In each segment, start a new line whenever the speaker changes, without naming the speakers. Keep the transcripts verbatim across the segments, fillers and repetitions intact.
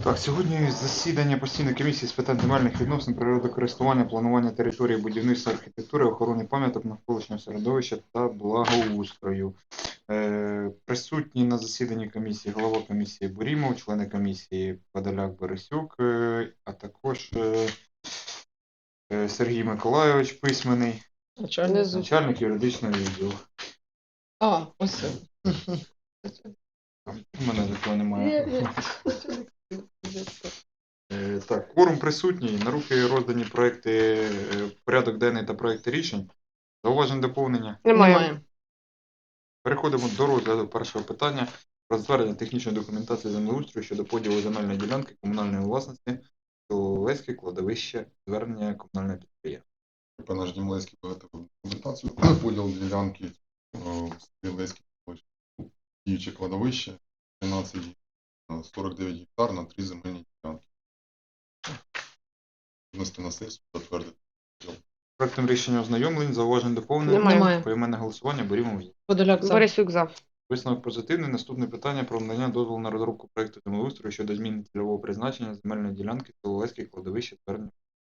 Так, сьогодні засідання постійної комісії з питань земельних відносин, природокористування, планування території, будівництва, архітектури, охорони пам'яток навколишнього середовища та благоустрою. Е, присутні на засіданні комісії голова комісії Бурімов, члени комісії Подоляк, Борисюк, е, а також е, е, Сергій Миколайович, письменний,
Начальник.
начальник юридичного відділу.
А, ось це.
У мене такого немає.
Ні, ні.
Е, Так, кворум присутній. На руки роздані проекти, е, порядок денний та проекти рішень. Зауважень доповнення.
Немає.
Переходимо до розгляду першого питання про затвердження технічної документації землеустрою щодо поділу земельної ділянки комунальної власності Соловецьке кладовище звернення комунального підприємства.
Наш Дімлецький виготовив документацію. Поділ ділянки Стрілецьке діюче кладовище тринадцять сорок дев'ять гектар на три земельні ділянки. Внести на сесію, затвердити.
Проектом рішення ознайомлень, зауважень доповнення.
Немає.
Поіменне голосування берімо.
Подоляк за.
Борисюк за.
Висновок позитивний. Наступне питання про надання дозволу на розробку проекту землеустрою щодо зміни цільового призначення земельної ділянки Соловецьке кладовище звернення.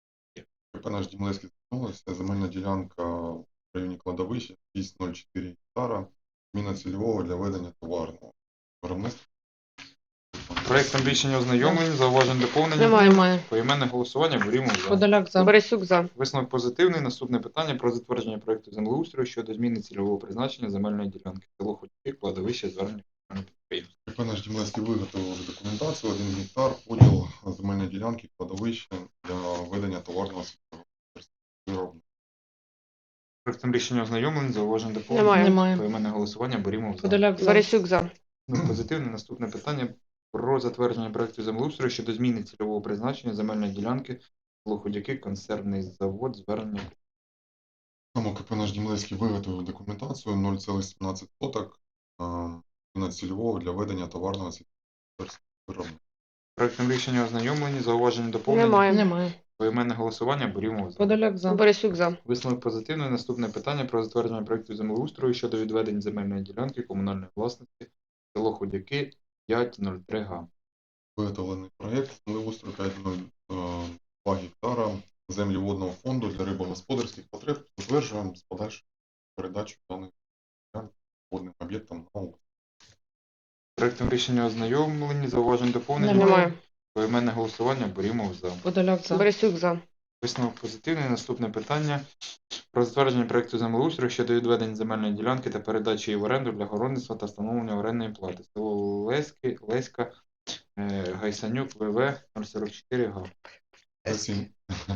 Наш Дімлецький звернулася. Земельна ділянка в районі кладовища шість нуль чотири гектара. Зміна цільового для ведення товарного виробництва.
Проектом рішення ознайомлень, зауважень доповнення.
Немає. Немає.
Поіменне голосування берімо за.
Подоляк за.
Борисюк за.
Висновок позитивний. Наступне питання про затвердження проекту землеустрою щодо зміни цільового призначення земельної ділянки село Ходяки, кладовище звернення комунального підприємства.
Наш Дімлецький виготовив вже документацію, один гектар, поділ земельної ділянки кладовища для ведення товарного виробництва.
Проектом рішення ознайомлень, зауважень доповнення.
Немає.
Немає.
Поіменне голосування берімо за.
Подоляк за.
Борисюк за.
Ну, позитивне. Наступне питання про затвердження проекту землеустрою щодо зміни цільового призначення земельної ділянки село Ходяки, консервний завод звернення.
Тому КП наш Дімлецький виготовив документацію нуль цілих сімнадцять соток на цільового для ведення товарного виробництва.
Проектом рішення ознайомлені, зауваження доповнення.
Немає.
Немає.
Поіменне голосування берімо за.
Подоляк за.
Борисюк за.
Висновок позитивний. Наступне питання про затвердження проекту землеустрою щодо відведення земельної ділянки комунальної власності село Ходяки п'ять нуль три га.
Виготовлений проєкт землеустрою п'ять нуль два гектара землі водного фонду для рибогосподарських потреб. Затверджуємо з подальшою передачою даних ділянок водним об'єктам на аукціон.
Проектом рішення ознайомлені, зауважень доповнення.
Немає.
Поіменне голосування берімо за.
Подоляк за.
Борисюк за.
Висновок позитивний. Наступне питання про затвердження проекту землеустрою щодо відведення земельної ділянки та передачі її в оренду для городництва та встановлення орендної плати. Село Леськи, Леська, е, Гайсанюк, ВВ нуль сорок чотири га.
Гасінь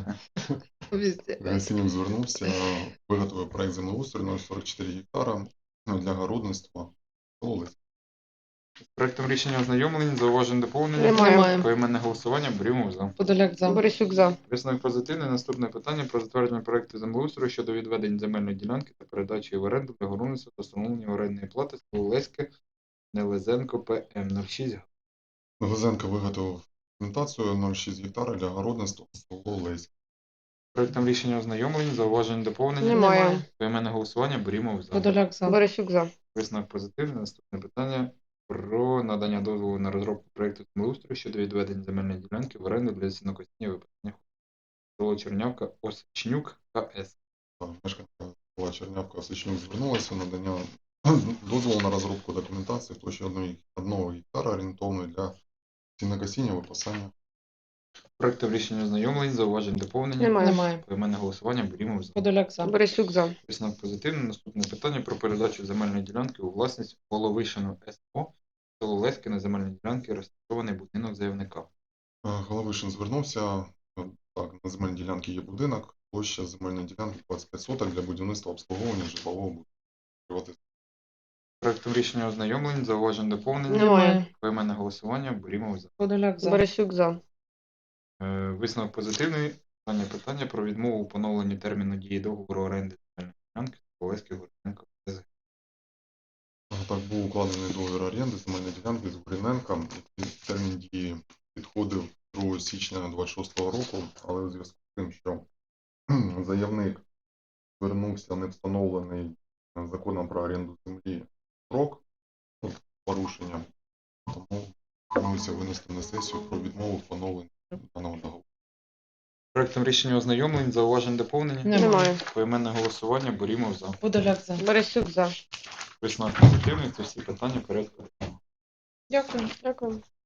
Везде.
Гасінів звернувся, виготовив проєкт землеустрою нуль сорок чотири гектара для городництва. Село Леське.
Проектом рішення ознайомлені, зауважень доповнення.
Немає.
Немає.
Поіменне голосування берімо за.
Подоляк за.
Борисюк за.
Висновок позитивний. Наступне питання про затвердження проекту землеустрою щодо відведення земельної ділянки та передачі її в оренду для городництва та встановлення орендної плати село Леське, Нелезенко, ПМ нуль шість га.
Лозенко виготовив документацію нуль шість гектара для городництва село Леське.
Проектом рішення ознайомлені, зауважень доповнення.
Немає.
Поіменне голосування берімо за.
Подоляк за.
Борисюк за.
Висновок позитивний. Наступне питання про надання дозволу на розробку проекту землеустрою щодо відведення земельної ділянки в оренду для сінокосіння випадення село Чернявка, Осичнюк, КС.
Мешканка села Чернявка Осичнюк звернулася надання дозволу на розробку документації в площі одного гектара орієнтовної для сінокосіння випасання.
Проектом рішення ознайомлень, зауважень доповнення.
Немає.
Немає.
Поіменне голосування берімо за.
Подоляк за.
Борисюк за.
Висновок позитивний. Наступне питання про передачу земельної ділянки у власність Головишину СО село Леське на земельній ділянці розташований будинок заявника.
Головишин звернувся, так, на земельній ділянці є будинок, площа земельної ділянки двадцять п'ять соток для будівництва обслуговування житлового будинку.
Проектом рішення ознайомлень, зауважень доповнення.
Немає.
Поіменне голосування берімо за.
Подоляк за.
Борисюк за.
Е, Висновок позитивний. Останнє питання про відмову у поновленні терміну дії договору оренди земельної ділянки Олеський Городенко.
Так, був укладений договір оренди земельної ділянки з Гуріненка. Термін дії підходив другого січня двадцять шостого року, але у зв'язку з тим, що заявник звернувся не встановлений законом про оренду землі строк порушення, тому Пропонується винести на сесію про відмову в поновленні даного договору.
Проектом рішення ознайомлень, зауважень доповнення.
Немає.
Немає.
Поіменне голосування, Борімов за.
Подоляк за.
Борисюк за.
Висновок позитивний, це всі питання порядку.
Дякую.
Дякую.